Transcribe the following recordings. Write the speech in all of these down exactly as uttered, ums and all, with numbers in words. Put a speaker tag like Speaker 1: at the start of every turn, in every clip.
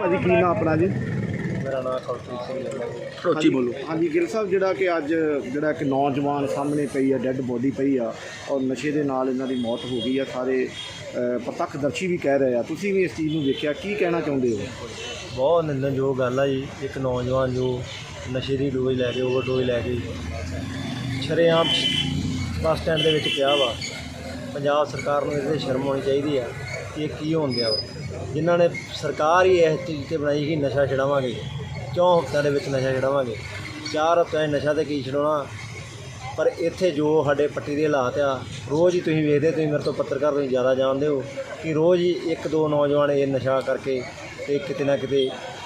Speaker 1: ਭਾਜੀ ਕੀ ਨਾਮ ਆਪਣਾ ਜੀ?
Speaker 2: ਮੇਰਾ ਨਾਮ ਕੌਲਪ੍ਰੀਤ ਸਿੰਘ ਹੈ।
Speaker 1: ਉੱਚੀ ਬੋਲੋ। ਹਾਂਜੀ ਗਿੱਲ ਸਾਹਿਬ, ਜਿਹੜਾ ਕਿ ਅੱਜ ਜਿਹੜਾ ਇੱਕ ਨੌਜਵਾਨ ਸਾਹਮਣੇ ਪਈ ਆ, ਡੈੱਡ ਬੋਡੀ ਪਈ ਆ ਔਰ ਨਸ਼ੇ ਦੇ ਨਾਲ ਇਹਨਾਂ ਦੀ ਮੌਤ ਹੋ ਗਈ ਆ, ਸਾਰੇ ਪ੍ਰਤੱਖਦਰਸ਼ੀ ਵੀ ਕਹਿ ਰਹੇ ਆ, ਤੁਸੀਂ ਵੀ ਇਸ ਚੀਜ਼ ਨੂੰ ਵੇਖਿਆ, ਕੀ ਕਹਿਣਾ ਚਾਹੁੰਦੇ ਹੋ?
Speaker 2: ਬਹੁਤ ਨਿੰਦਣਯੋਗ ਗੱਲ ਆ ਜੀ। ਇੱਕ ਨੌਜਵਾਨ ਜੋ ਨਸ਼ੇ ਦੀ ਡੋਜ਼ ਲੈ ਕੇ ਓਵਰਡੋਜ਼ ਲੈ ਕੇ ਸ਼ਰੇਆਮ ਬੱਸ ਸਟੈਂਡ ਦੇ ਵਿੱਚ ਪਿਆ ਵਾ। ਪੰਜਾਬ ਸਰਕਾਰ ਨੂੰ ਇਹਦੇ ਸ਼ਰਮ ਆਉਣੀ ਚਾਹੀਦੀ ਆ ਕਿ ਇਹ ਕੀ ਹੋਣ ਦਿਆ ਵਾ। ਜਿਨ੍ਹਾਂ ਨੇ ਸਰਕਾਰ ਹੀ ਇਸ ਚੀਜ਼ 'ਤੇ ਬਣਾਈ ਕਿ ਨਸ਼ਾ ਛਡਾਵਾਂਗੇ, ਚੌਂ ਹਫ਼ਤਿਆਂ ਦੇ ਵਿੱਚ ਨਸ਼ਾ ਛਡਾਵਾਂਗੇ। ਚਾਰ ਹਫ਼ਤਿਆਂ 'ਚ ਨਸ਼ਾ ਤਾਂ ਕੀ ਛਡਾਉਣਾ, ਪਰ ਇੱਥੇ ਜੋ ਸਾਡੇ ਪੱਟੀ ਦੇ ਹਾਲਾਤ ਆ, ਰੋਜ਼ ਹੀ ਤੁਸੀਂ ਵੇਖਦੇ, ਤੁਸੀਂ ਮੇਰੇ ਤੋਂ ਪੱਤਰਕਾਰ ਤੁਸੀਂ ਜ਼ਿਆਦਾ ਜਾਣਦੇ ਹੋ ਕਿ ਰੋਜ਼ ਹੀ ਇੱਕ ਦੋ ਨੌਜਵਾਨ ਇਹ ਨਸ਼ਾ ਕਰਕੇ ਅਤੇ ਕਿਤੇ ਨਾ ਕਿਤੇ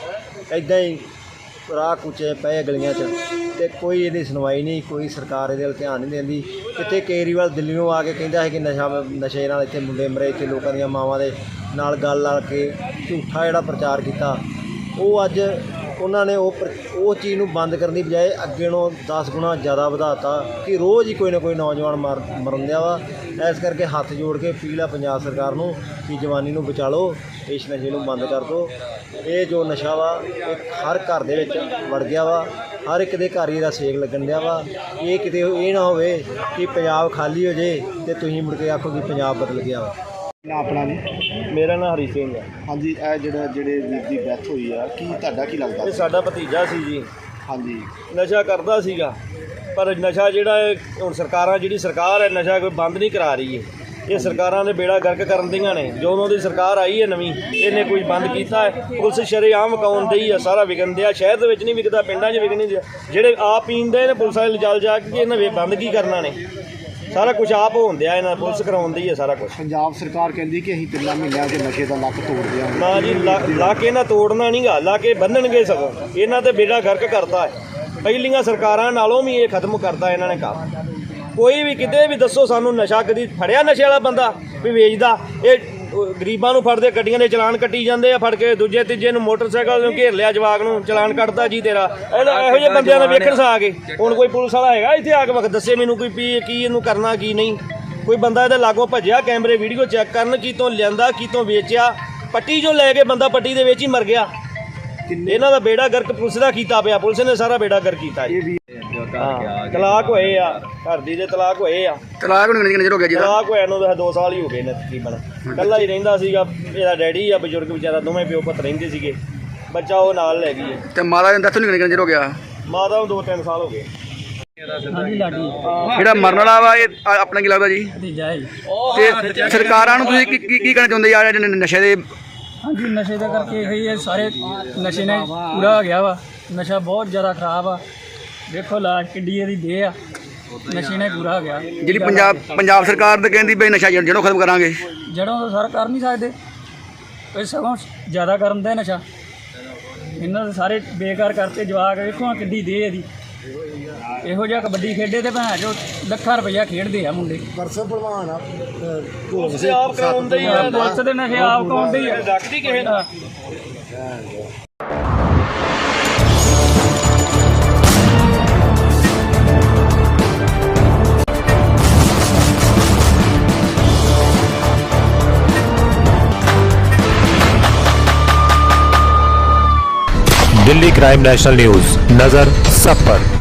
Speaker 2: ਇੱਦਾਂ ਹੀ ਰਾਹ ਕੁਚੇ ਪਏ ਗਲੀਆਂ 'ਚ, ਅਤੇ ਕੋਈ ਇਹਦੀ ਸੁਣਵਾਈ ਨਹੀਂ, ਕੋਈ ਸਰਕਾਰ ਇਹਦੇ ਵੱਲ ਧਿਆਨ ਨਹੀਂ ਦਿੰਦੀ। ਕਿਤੇ ਕੇਜਰੀਵਾਲ ਦਿੱਲੀੋਂ ਆ ਕੇ ਕਹਿੰਦਾ ਹੈ ਕਿ ਨਸ਼ਾ ਨਸ਼ੇ ਨਾਲ ਇੱਥੇ ਮੁੰਡੇ ਮਰੇ, ਇੱਥੇ ਲੋਕਾਂ ਦੀਆਂ ਮਾਵਾਂ ਦੇ ਨਾਲ ਗੱਲ ਲਾ ਕੇ ਝੂਠਾ ਜਿਹੜਾ ਪ੍ਰਚਾਰ ਕੀਤਾ, ਉਹ ਅੱਜ ਉਹਨਾਂ ਨੇ ਉਹ ਉਹ ਚੀਜ਼ ਨੂੰ ਬੰਦ ਕਰਨ ਦੀ ਬਜਾਏ ਅੱਗੇ ਨੂੰ ਦਸ ਗੁਣਾ ਜ਼ਿਆਦਾ ਵਧਾਤਾ ਕਿ ਰੋਜ਼ ਹੀ ਕੋਈ ਨਾ ਕੋਈ ਨੌਜਵਾਨ ਮਰ ਮਰਨ ਦਿਆ ਵਾ। ਇਸ ਕਰਕੇ ਹੱਥ ਜੋੜ ਕੇ ਅਪੀਲ ਆ ਪੰਜਾਬ ਸਰਕਾਰ ਨੂੰ ਕਿ ਜਵਾਨੀ ਨੂੰ ਬਚਾ ਲਓ, ਇਸ ਨਸ਼ੇ ਨੂੰ ਬੰਦ ਕਰ ਦਿਓ। ਇਹ ਜੋ ਨਸ਼ਾ ਵਾ ਇਹ ਹਰ ਘਰ ਦੇ ਵਿੱਚ ਵੜ ਗਿਆ ਵਾ, ਹਰ ਇੱਕ ਦੇ ਘਰ ਹੀ ਇਹਦਾ ਸੇਕ ਲੱਗਣ ਦਿਆ ਵਾ। ਇਹ ਕਿਤੇ ਇਹ ਨਾ ਹੋਵੇ ਕਿ ਪੰਜਾਬ ਖਾਲੀ ਹੋ ਜੇ ਅਤੇ ਤੁਸੀਂ ਮੁੜ ਕੇ ਆਖੋ ਕਿ ਪੰਜਾਬ ਬਦਲ ਗਿਆ ਵਾ।
Speaker 1: ਨਾ ਆਪਣਾ ਜੀ?
Speaker 2: ਮੇਰਾ ਨਾਮ ਹਰੀ ਸਿੰਘ ਹੈ।
Speaker 1: ਹਾਂਜੀ, ਇਹ ਜਿਹੜਾ ਜਿਹੜੇ ਵੀਰ ਦੀ ਡੈਥ ਹੋਈ ਆ, ਕੀ ਤੁਹਾਡਾ ਕੀ ਲੱਗਦਾ?
Speaker 2: ਇਹ ਸਾਡਾ ਭਤੀਜਾ ਸੀ ਜੀ।
Speaker 1: ਹਾਂਜੀ,
Speaker 2: ਨਸ਼ਾ ਕਰਦਾ ਸੀਗਾ, ਪਰ ਨਸ਼ਾ ਜਿਹੜਾ ਹੈ ਹੁਣ ਸਰਕਾਰਾਂ, ਜਿਹੜੀ ਸਰਕਾਰ ਹੈ ਨਸ਼ਾ ਕੋਈ ਬੰਦ ਨਹੀਂ ਕਰਾ ਰਹੀ ਹੈ। ਇਹ ਸਰਕਾਰਾਂ ਨੇ ਬੇੜਾ ਗਰਕ ਕਰਨ ਦੀਆਂ ਨੇ। ਜਦੋਂ ਦੀ ਸਰਕਾਰ ਆਈ ਹੈ ਨਵੀਂ, ਇਹਨੇ ਕੋਈ ਬੰਦ ਕੀਤਾ ਹੈ? ਪੁਲਿਸ ਸ਼ਰੇਆਮ ਵਿਕਾਉਣ ਦੀ ਆ, ਸਾਰਾ ਵਿਕਣ ਦਿਆ। ਸ਼ਹਿਰ ਦੇ ਵਿੱਚ ਨਹੀਂ ਵਿਕਦਾ, ਪਿੰਡਾਂ 'ਚ ਵਿਕ ਨਹੀਂ ਦਿਆ। ਜਿਹੜੇ ਆਪ ਪੀਂਦੇ ਨੇ ਪੁਲਿਸ ਵਾਲੇ ਜਲ ਜਾ ਕੇ ਇਹਨਾਂ ਵੇ ਬੰਦ ਕੀ ਕਰਨਾ ਨੇ? ਸਾਰਾ ਕੁਝ ਆਪ ਹੋਣ ਦਿਆ, ਇਹਨਾਂ ਪੁਲਿਸ ਕਰਾਉਂਦੀ ਹੈ ਸਾਰਾ ਕੁਝ।
Speaker 1: ਪੰਜਾਬ ਸਰਕਾਰ ਕਹਿੰਦੀ ਕਿ ਅਸੀਂ ਤਿੰਨਾਂ ਮਹੀਨਿਆਂ 'ਚ ਨਸ਼ੇ ਦਾ ਲੱਕ ਤੋੜ ਦਿਆਂਗੇ।
Speaker 2: ਨਾ ਜੀ, ਲਾ ਕੇ ਇਹਨਾਂ ਤੋੜਨਾ ਨਹੀਂ ਗਾ, ਲਾ ਕੇ ਬੰਨਣਗੇ। ਸਗੋਂ ਇਹਨਾਂ ਤੇ ਬੇੜਾ ਗਰਕ ਕਰਤਾ ਹੈ। ਪਹਿਲੀਆਂ ਸਰਕਾਰਾਂ ਨਾਲੋਂ ਵੀ ਇਹ ਖਤਮ ਕਰਤਾ ਇਹਨਾਂ ਨੇ ਕੰਮ। ਕੋਈ ਵੀ ਕਿਤੇ ਵੀ ਦੱਸੋ ਸਾਨੂੰ ਨਸ਼ਾ ਕਦੀ ਫੜਿਆ ਨਸ਼ੇ ਵਾਲਾ ਬੰਦਾ ਵੀ ਵੇਚਦਾ? ਇਹ ਗਰੀਬਾਂ ਨੂੰ ਫੜਦੇ, ਗੱਡੀਆਂ ਦੇ ਚਲਾਨ ਕੱਟੀ ਜਾਂਦੇ ਆ, ਫੜ ਕੇ ਦੂਜੇ ਤੀਜੇ ਨੂੰ ਮੋਟਰਸਾਈਕਲ ਨੂੰ ਘੇਰ ਲਿਆ, ਜਵਾਕ ਨੂੰ ਚਲਾਨ ਕੱਟਦਾ ਜੀ ਤੇਰਾ। ਇਹੋ ਜਿਹੇ ਬੰਦਿਆਂ ਦਾ ਵੇਖਣ ਸਾ ਆ ਕੇ ਹੁਣ ਕੋਈ ਪੁਲਿਸ ਵਾਲਾ ਹੈਗਾ ਇੱਥੇ ਆ ਕੇ ਵਕਤ ਦੱਸੇ ਮੈਨੂੰ ਕੋਈ ਵੀ ਕੀ ਇਹਨੂੰ ਕਰਨਾ ਕੀ ਨਹੀਂ? ਕੋਈ ਬੰਦਾ ਇਹਦੇ ਲਾਗੋਂ ਭੱਜਿਆ, ਕੈਮਰੇ ਵੀਡੀਓ ਚੈੱਕ ਕਰਨ, ਕਿਤੋਂ ਲਿਆਂਦਾ ਕਿਤੋਂ ਵੇਚਿਆ। ਪੱਟੀ ਜੋ ਲੈ ਕੇ ਬੰਦਾ ਪੱਟੀ ਦੇ ਵਿੱਚ ਹੀ ਮਰ ਗਿਆ। ਇਹਨਾਂ ਦਾ ਬੇੜਾ ਗਰਕ ਪੁਲਿਸ ਦਾ ਕੀਤਾ ਪਿਆ, ਪੁਲਿਸ ਨੇ ਸਾਰਾ ਬੇੜਾ ਗਰਕ ਕੀਤਾ ਜੀ। ਹਾਂ, ਤਲਾਕ ਹੋਏ ਆ, ਘਰ ਦੀ ਦੇ ਤਲਾਕ ਹੋਏ ਆ।
Speaker 3: ਤਲਾਕ ਨੂੰ ਕਿੰਨੇ ਚਿਰ ਹੋ ਗਿਆ ਜੀ?
Speaker 2: ਤਲਾਕ ਹੋਇਆ ਨੂੰ ਤਾਂ ਦੋ ਸਾਲ ਹੀ ਹੋ ਗਏ ਨੇ ਤਕਰੀਬਨ। ਇਕੱਲਾ ਹੀ ਰਹਿੰਦਾ ਸੀਗਾ, ਇਹਦਾ ਡੈਡੀ ਆ ਬਜ਼ੁਰਗ ਵਿਚਾਰਾ, ਦੋਵੇਂ ਪਿਓ ਪੁੱਤ ਰਹਿੰਦੇ ਸੀਗੇ। ਬੱਚਾ ਉਹ ਨਾਲ ਲੈ ਗਈ ਹੈ।
Speaker 3: ਤੇ ਮਾਤਾ ਦੀ ਡੈਥ ਨੂੰ ਕਿੰਨੇ ਚਿਰ ਹੋ ਗਿਆ?
Speaker 2: ਮਾਤਾ ਨੂੰ ਦੋ ਤਿੰਨ ਸਾਲ ਹੋ ਗਏ।
Speaker 3: ਜਿਹੜਾ ਮਰਨ ਵਾਲਾ ਵਾ ਇਹ ਆਪਣਾ ਕੀ ਲੱਗਦਾ ਜੀ? ਤੇ ਸਰਕਾਰਾਂ ਨੂੰ ਤੁਸੀਂ ਕੀ ਕੀ ਕੀ ਕਹਿਣਾ ਚਾਹੁੰਦੇ ਯਾਰ ਜਿਹੜੇ ਨਸ਼ੇ ਦੇ?
Speaker 4: ਹਾਂਜੀ, ਨਸ਼ੇ ਦਾ ਕਰਕੇ ਇਹੀ ਹੈ, ਸਾਰੇ ਨਸ਼ੇ ਨੇ ਪੂਰਾ ਹੋ ਗਿਆ ਵਾ। ਨਸ਼ਾ ਬਹੁਤ ਜ਼ਿਆਦਾ ਖਰਾਬ ਆ। ਦੇਖੋ ਲਾਸ਼ ਕਿੱਡੀ ਇਹਦੀ ਦੇਹ ਆ, ਨਸ਼ੇ ਨੇ ਪੂਰਾ ਹੋ ਗਿਆ।
Speaker 3: ਜਿਹੜੀ ਪੰਜਾਬ ਪੰਜਾਬ ਸਰਕਾਰ ਤਾਂ ਕਹਿੰਦੀ ਬਈ ਨਸ਼ਾ ਜੜੋਂ ਖਤਮ ਕਰਾਂਗੇ।
Speaker 4: ਜੜੋਂ ਤਾਂ ਸਰ ਕਰ ਨਹੀਂ ਸਕਦੇ, ਇਹ ਸਗੋਂ ਜ਼ਿਆਦਾ ਕਰਨ ਦਾ ਨਸ਼ਾ। ਇਹਨਾਂ ਦੇ ਸਾਰੇ ਬੇਕਾਰ ਕਰਤੇ ਜਵਾਕ। ਵੇਖੋ ਕਿੱਡੀ ਦੇਹ ਇਹਦੀ। ਇਹੋ ਜਿਹਾ ਕਬੱਡੀ ਖੇਡੇ ਤੇ ਭੈਣ ਚੋ ਲੱਖਾਂ ਰੁਪਈਆ ਖੇਡਦੇ ਆ ਮੁੰਡੇ।
Speaker 1: ਪਰਸੋਂ ਭਲਵਾਨ ਆ,
Speaker 2: ਪੁਲਿਸ ਆਪ ਕਰਾਉਂਦੇ ਹੀ ਆ,
Speaker 4: ਪੁਲਿਸ ਦੇ ਨਸ਼ੇ ਆਪ ਕਰਾਉਂਦੇ ਹੀ ਆ।
Speaker 2: ਰੱਖਦੀ ਕਿਸੇ ਦਾ।
Speaker 5: दिल्ली क्राइम नेशनल न्यूज, नजर सब पर।